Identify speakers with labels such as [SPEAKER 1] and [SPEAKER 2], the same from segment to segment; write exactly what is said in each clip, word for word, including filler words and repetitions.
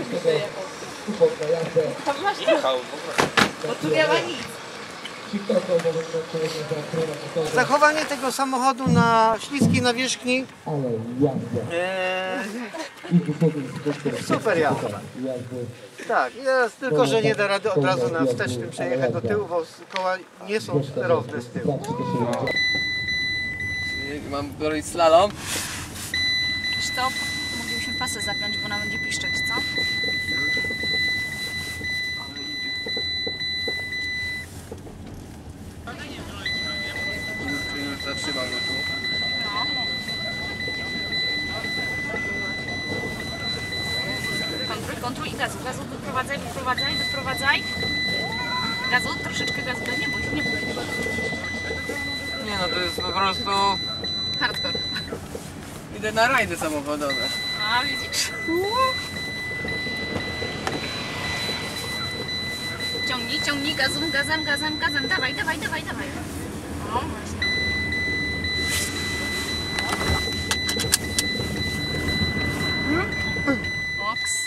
[SPEAKER 1] Jechał.
[SPEAKER 2] Bo tu nie ma nic.
[SPEAKER 3] Zachowanie tego samochodu na śliskiej nawierzchni. Eee, super jazda. Tak, jest tylko, że nie da rady od razu na wstecznym przejechać do tyłu, bo koła nie są sterowne z tyłu.
[SPEAKER 1] Mam robić slalom.
[SPEAKER 2] Stop. Moglibyśmy pasy zapiąć, bo ona będzie piszczeć, co?
[SPEAKER 1] Już zatrzymam go tu.
[SPEAKER 2] No. Kontruj, kontruj i gazu. Gazu wyprowadzaj, wyprowadzaj, wyprowadzaj. Gazu, troszeczkę gazu. Nie bój, nie bój.
[SPEAKER 1] Nie no, to jest po prostu...
[SPEAKER 2] Hardcore.
[SPEAKER 1] Idę na rajdy samochodowe.
[SPEAKER 2] A, widzisz? Ciągnij, ciągnij gazem, gazem, gazem, gazem. Dawaj, dawaj, dawaj, dawaj. O, właśnie. Oks.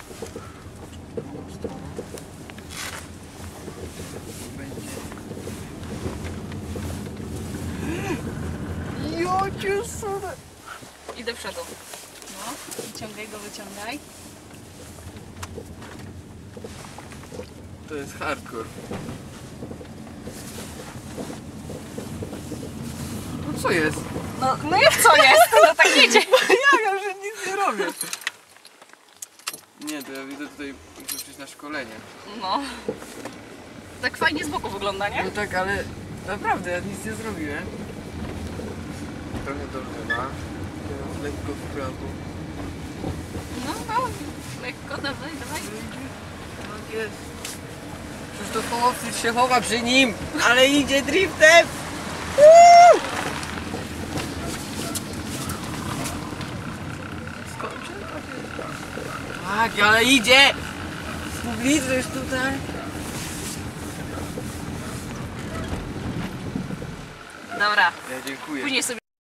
[SPEAKER 1] Jocie sude!
[SPEAKER 2] I do przodu. No, wyciągaj go, wyciągaj.
[SPEAKER 1] To jest hardcore. No co jest?
[SPEAKER 2] No, no jak co jest? No tak jedzie.
[SPEAKER 1] Ja, ja że nic nie robię. Nie, to ja widzę tutaj, muszę przyjść na szkolenie.
[SPEAKER 2] No. Tak fajnie z boku wygląda, nie?
[SPEAKER 1] No tak, ale naprawdę ja nic nie zrobiłem. Trochę do lewa, teraz lekko w prawo.
[SPEAKER 2] No, no. Lekko, dawaj, dawaj.
[SPEAKER 1] Tak jest. Przecież to chłopcy się chowa przy nim, ale idzie driftem! Uuu! Skończę? Tak, ale idzie! Widzisz tutaj?
[SPEAKER 2] Dobra.
[SPEAKER 1] Ja dziękuję.
[SPEAKER 2] Później sobie